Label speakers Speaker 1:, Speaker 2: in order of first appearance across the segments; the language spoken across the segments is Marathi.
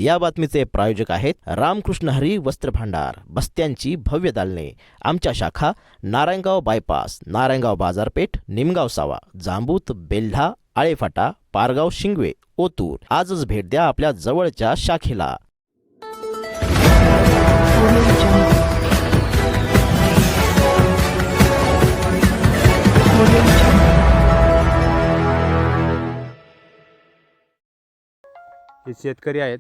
Speaker 1: या बातमीचे प्रायोजक आहेत रामकृष्ण हरी वस्त्र भांडार, बस्त्यांची भव्य दालने। आमच्या शाखा नारायणगाव बायपास, नारायणगाव बाजारपेठ, निमगाव सावा, जांबूत, बेल्ढा, आळेफाटा, पारगाव, शिंगवे, ओतूर। आजच भेट द्या आपल्या जवळच्या शाखेला।
Speaker 2: हे शेतकरी आहेत।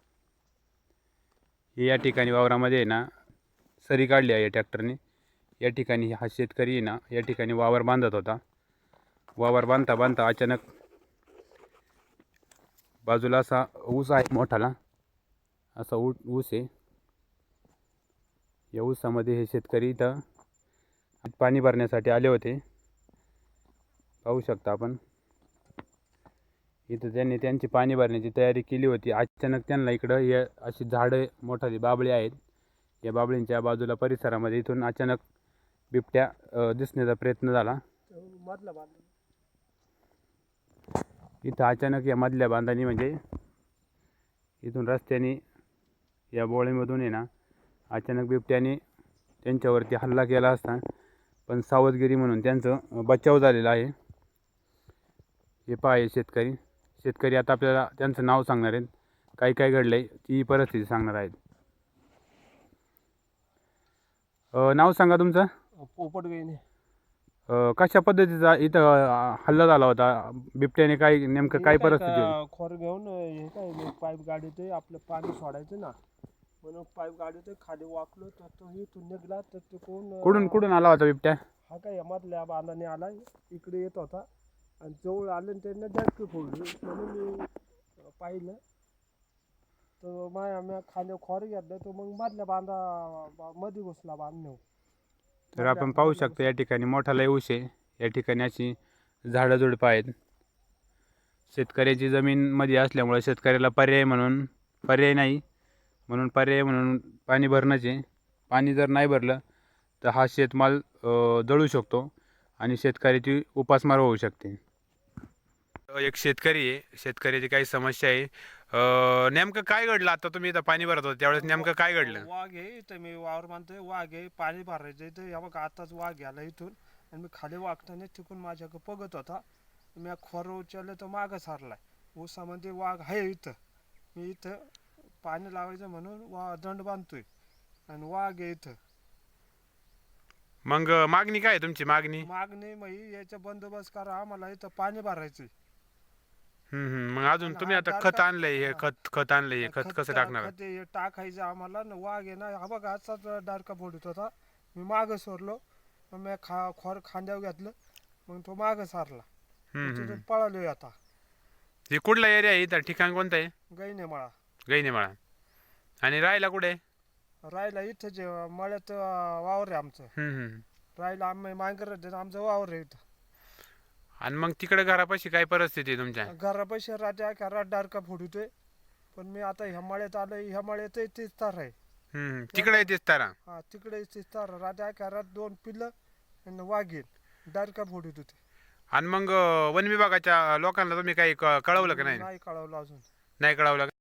Speaker 2: हे या ठिकाणी वावरामध्ये ना सरी काढली आहे ट्रॅक्टरने। या ठिकाणी हा शेतकरी ना या ठिकाणी वावर बांधत होता। वावर बांधता बांधता अचानक बाजूला असा ऊस आहे मोठाला, असा ऊस आहे। या ऊसामध्ये हे शेतकरी इथं पाणी भरण्यासाठी आले होते। पाहू शकता आपण इथं त्यांनी त्यांची पाणी भरण्याची तयारी केली होती। अचानक त्यांना इकडं हे अशी झाडं मोठाली बाबळी आहेत। या बाबळींच्या बाजूला परिसरामध्ये इथून अचानक बिबट्या दिसण्याचा प्रयत्न झाला। इथं अचानक या मधल्या बांधानी म्हणजे इथून रस्त्याने या बोळीमधून आहे ना अचानक बिबट्याने त्यांच्यावरती हल्ला केला असता, पण सावधगिरी म्हणून त्यांचं बचाव झालेला आहे। हे पहा शेतकरी आता आपल्याला त्यांचं नाव सांगणार आहेत, काय काय घडलंय ती परिस्थिती सांगणार आहेत। नाव सांगा तुमचं?
Speaker 3: पोपट गईने
Speaker 2: कशा पद्धतीचा इथं हल्ला झाला होता बिबट्याने? काय नेमकं काय परिस्थिती होती?
Speaker 3: खोर घेऊन हे काय मी पाईप गाडीते आपलं पाणी सोडायचं ना, म्हणून पाईप गाडीते खाली वाकलो तर तो इथून निघाला। तर तो
Speaker 2: कुठून आला होता बिबट्या?
Speaker 3: हा काय मधल्या बांधाने आला, इकडे येत होता आणि जवळ आलं त्यांना डॅक्टर फोडली। म्हणून मी पाहिलं तर मी खाली खोर घेतलं, तो मग मधल्या बांधा मध्ये घुसला बांधणे।
Speaker 2: तर आपण पाहू शकतो या ठिकाणी मोठा लय ऊस आहे। या ठिकाणी अशी झाडं झुडपं आहेत। शेतकऱ्याची जमीन मध्ये असल्यामुळे शेतकऱ्याला पर्याय नाही म्हणून पाणी भरणंच आहे। पाणी जर नाही भरलं तर हा शेतमाल जळू शकतो आणि शेतकऱ्याची उपासमार होऊ शकते। एक शेतकरी आहे, शेतकऱ्याची काही समस्या आहे। नेमकं काय घडलं? आता तुम्ही इथं पाणी भरत होता त्यावेळेस नेमकं काय घडलं?
Speaker 3: वाघ आहे इथं, मी वावर बांधतोय, वाघ आहे, पाणी भरायचं इथं। या बघा आताच वाघ गेला इथून आणि मी खाली वागताना तिकून माझ्याकडे बघत होता। मी खोर उचललं तर मागं सारलाय। ऊसामध्ये वाघ आहे इथं, मी इथं पाणी लावायचं म्हणून दंड बांधतोय आणि वाघ आहे इथं।
Speaker 2: मग मागणी काय आहे तुमची? मागणी
Speaker 3: मग याचा बंदोबस्त करा, आम्हाला इथं पाणी भरायचंय।
Speaker 2: मग अजून तुम्ही आता खत आणलंय, हे खत आणलंय, हे खत कसं टाकणार?
Speaker 3: खत हे टाकायचं आम्हाला ना। वाघ आहे ना, हा बघा असाच डारका फोडत होता, मी मागं सोरलो, मग मी खोर खांद्यावर घेतलं, मग तो मागं सारला, तिथून पळालोय आता।
Speaker 2: हे कुठला एरिया आहे? इथं ठिकाण कोणतं आहे?
Speaker 3: गैनेमाळा।
Speaker 2: गैनेमाळा। आणि राहायला कुठे?
Speaker 3: राहायला इथंच मळ्यात वावर आहे आमचं। राहायला आम्ही मांगर आमचं वावर आहे इथं।
Speaker 2: आणि मग तिकडे घरापाशी काय परिस्थिती आहे तुमच्या?
Speaker 3: घरापाशी राजा घरात डारका फोडतोय, पण मी आता ह्या मळ्यात आलोय। ह्या मळ्यात तीच तार आहे।
Speaker 2: तिकडे येतेच तारा?
Speaker 3: हा, तिकडे तीच तार। राजा घरात 2 पिल्लं आणि वाघीण डारका फोडत होते।
Speaker 2: आणि मग वन विभागाच्या लोकांना तुम्ही काही कळवलं का नाही?
Speaker 3: नाही कळवलं अजून।
Speaker 2: नाही कळवलं?